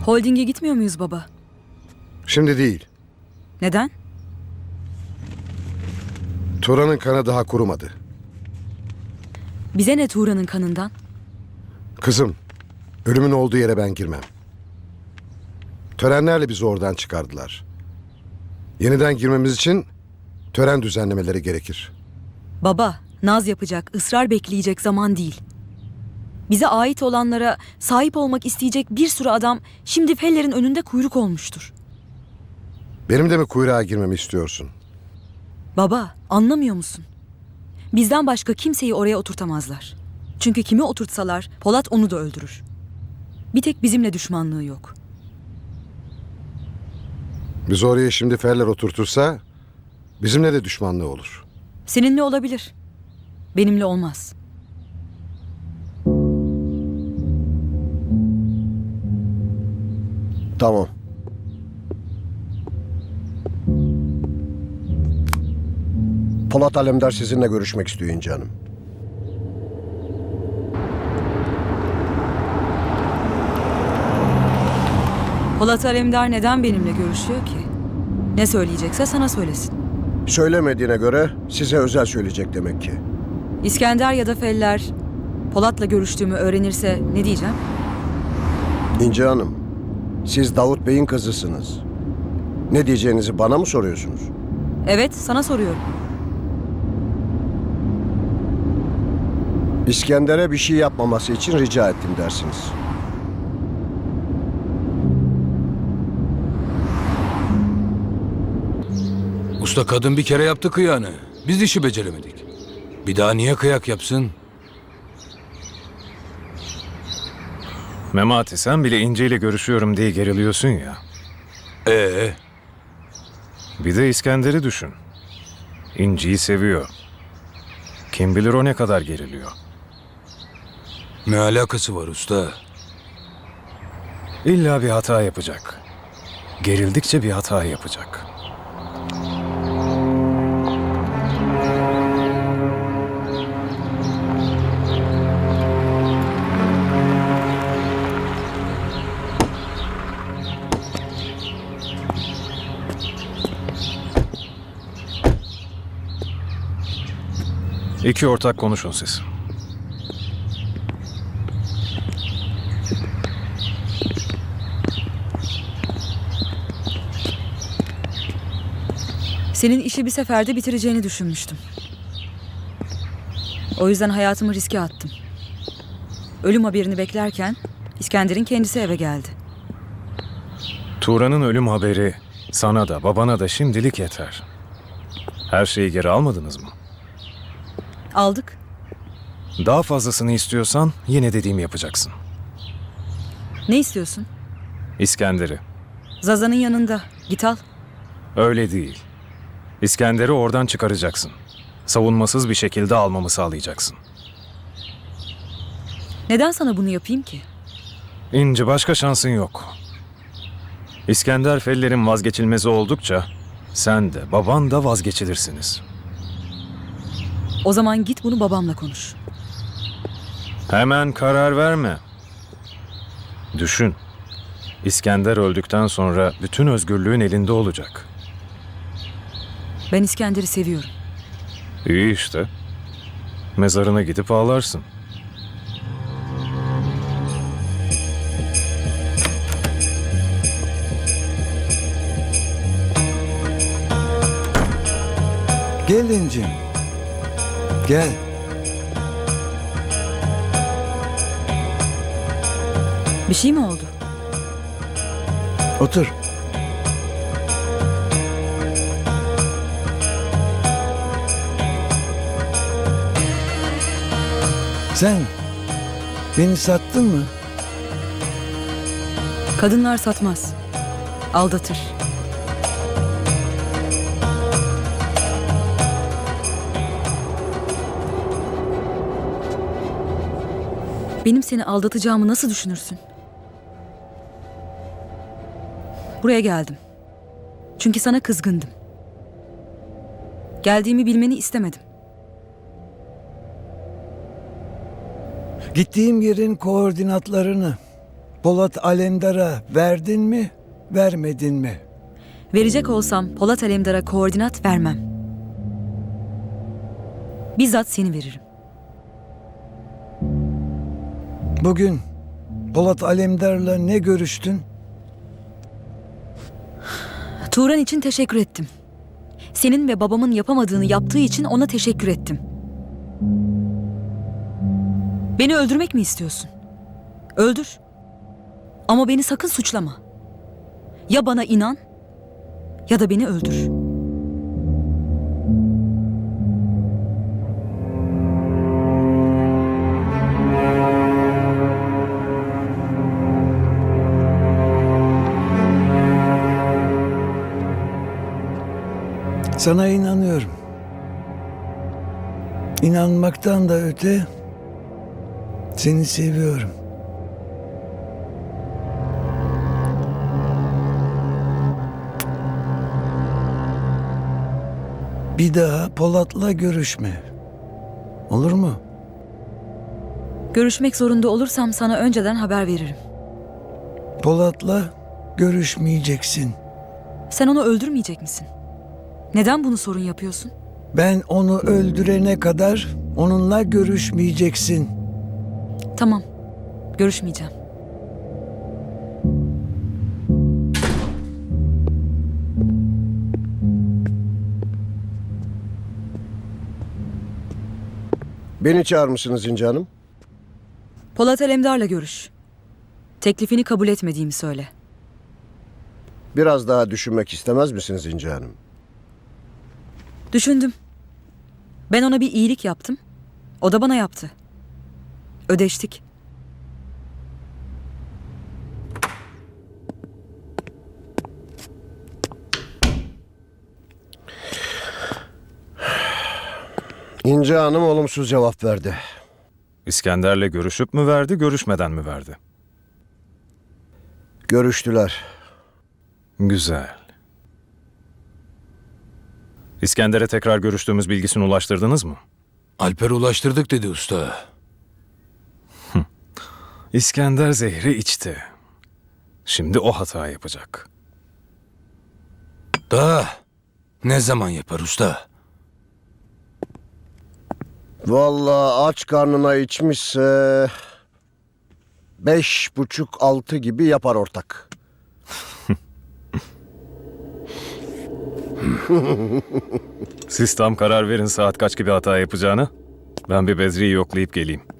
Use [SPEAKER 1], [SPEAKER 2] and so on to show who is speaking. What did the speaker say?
[SPEAKER 1] Holding'e gitmiyor muyuz baba?
[SPEAKER 2] Şimdi değil.
[SPEAKER 1] Neden?
[SPEAKER 2] Turan'ın kanı daha kurumadı.
[SPEAKER 1] Bize ne Tuğra'nın kanından?
[SPEAKER 2] Kızım, ölümün olduğu yere ben girmem. Törenlerle bizi oradan çıkardılar. Yeniden girmemiz için tören düzenlemeleri gerekir.
[SPEAKER 1] Baba, naz yapacak, ısrar bekleyecek zaman değil. Bize ait olanlara sahip olmak isteyecek bir sürü adam şimdi Feller'in önünde kuyruk olmuştur.
[SPEAKER 2] Benim de mi kuyruğa girmemi istiyorsun?
[SPEAKER 1] Baba, anlamıyor musun? Bizden başka kimseyi oraya oturtamazlar. Çünkü kimi oturtsalar Polat onu da öldürür. Bir tek bizimle düşmanlığı yok.
[SPEAKER 2] Biz oraya şimdi Ferler oturtursa bizimle de düşmanlığı olur.
[SPEAKER 1] Seninle olabilir. Benimle olmaz.
[SPEAKER 3] Tamam. Polat Alemdar sizinle görüşmek istiyor İnci Hanım.
[SPEAKER 1] Polat Alemdar neden benimle görüşüyor ki? Ne söyleyecekse sana söylesin.
[SPEAKER 3] Söylemediğine göre size özel söyleyecek demek ki.
[SPEAKER 1] İskender ya da Feller Polat'la görüştüğümü öğrenirse ne diyeceğim?
[SPEAKER 3] İnci Hanım, siz Davut Bey'in kızısınız. Ne diyeceğinizi bana mı soruyorsunuz?
[SPEAKER 1] Evet, sana soruyorum.
[SPEAKER 3] İskender'e bir şey yapmaması için rica ettim dersiniz.
[SPEAKER 4] Usta kadın bir kere yaptı kıyağını. Biz işi beceremedik. Bir daha niye kıyak yapsın?
[SPEAKER 5] Memati sen bile İnce ile görüşüyorum diye geriliyorsun ya. Bir de İskender'i düşün. İnci'yi seviyor. Kim bilir o ne kadar geriliyor.
[SPEAKER 4] Ne alakası var usta?
[SPEAKER 5] İlla bir hata yapacak. Gerildikçe bir hata yapacak. İki ortak konuşun siz.
[SPEAKER 1] Senin işi bir seferde bitireceğini düşünmüştüm. O yüzden hayatımı riske attım. Ölüm haberini beklerken İskender'in kendisi eve geldi.
[SPEAKER 5] Turan'ın ölüm haberi sana da babana da şimdilik yeter. Her şeyi geri almadınız mı?
[SPEAKER 1] Aldık.
[SPEAKER 5] Daha fazlasını istiyorsan yine dediğimi yapacaksın.
[SPEAKER 1] Ne istiyorsun?
[SPEAKER 5] İskender'i.
[SPEAKER 1] Zaza'nın yanında. Git al.
[SPEAKER 5] Öyle değil. İskender'i oradan çıkaracaksın. Savunmasız bir şekilde almamı sağlayacaksın.
[SPEAKER 1] Neden sana bunu yapayım ki?
[SPEAKER 5] İnci başka şansın yok. İskender Feller'in vazgeçilmezi oldukça sen de baban da vazgeçilirsiniz.
[SPEAKER 1] O zaman git bunu babamla konuş.
[SPEAKER 5] Hemen karar verme. Düşün. İskender öldükten sonra bütün özgürlüğün elinde olacak.
[SPEAKER 1] Ben İskender'i seviyorum.
[SPEAKER 5] İyi işte. Mezarına gidip ağlarsın.
[SPEAKER 6] Gel İncim. Gel.
[SPEAKER 1] Bir şey mi oldu?
[SPEAKER 6] Otur. Sen beni sattın mı?
[SPEAKER 1] Kadınlar satmaz. Aldatır. Benim seni aldatacağımı nasıl düşünürsün? Buraya geldim. Çünkü sana kızgındım. Geldiğimi bilmeni istemedim.
[SPEAKER 6] Gittiğim yerin koordinatlarını Polat Alemdar'a verdin mi, vermedin mi?
[SPEAKER 1] Verecek olsam Polat Alemdar'a koordinat vermem. Bizzat seni veririm.
[SPEAKER 6] Bugün Polat Alemdar'la ne görüştün?
[SPEAKER 1] Turan için teşekkür ettim. Senin ve babamın yapamadığını yaptığı için ona teşekkür ettim. Beni öldürmek mi istiyorsun? Öldür. Ama beni sakın suçlama. Ya bana inan ya da beni öldür.
[SPEAKER 6] Sana inanıyorum. İnanmaktan da öte seni seviyorum. Bir daha Polat'la görüşme. Olur mu?
[SPEAKER 1] Görüşmek zorunda olursam sana önceden haber veririm.
[SPEAKER 6] Polat'la görüşmeyeceksin.
[SPEAKER 1] Sen onu öldürmeyecek misin? Neden bunu sorun yapıyorsun?
[SPEAKER 6] Ben onu öldürene kadar onunla görüşmeyeceksin.
[SPEAKER 1] Tamam. Görüşmeyeceğim.
[SPEAKER 3] Beni çağırmışsınız İnci Hanım.
[SPEAKER 1] Polat Alemdar'la görüş. Teklifini kabul etmediğimi söyle.
[SPEAKER 3] Biraz daha düşünmek istemez misiniz İnci Hanım?
[SPEAKER 1] Düşündüm. Ben ona bir iyilik yaptım. O da bana yaptı. Ödeştik.
[SPEAKER 3] İnci Hanım olumsuz cevap verdi.
[SPEAKER 5] İskender'le görüşüp mü verdi, görüşmeden mi verdi?
[SPEAKER 3] Görüştüler.
[SPEAKER 5] Güzel. İskender'e tekrar görüştüğümüz bilgisini ulaştırdınız mı?
[SPEAKER 4] Alper ulaştırdık dedi usta.
[SPEAKER 5] İskender zehri içti. Şimdi o hata yapacak.
[SPEAKER 4] Da ne zaman yapar usta?
[SPEAKER 3] Vallahi aç karnına içmişse 5,5-6 gibi yapar ortak.
[SPEAKER 5] Siz tam karar verin saat kaç gibi hata yapacağını. Ben bir Bedri'yi yoklayıp geleyim.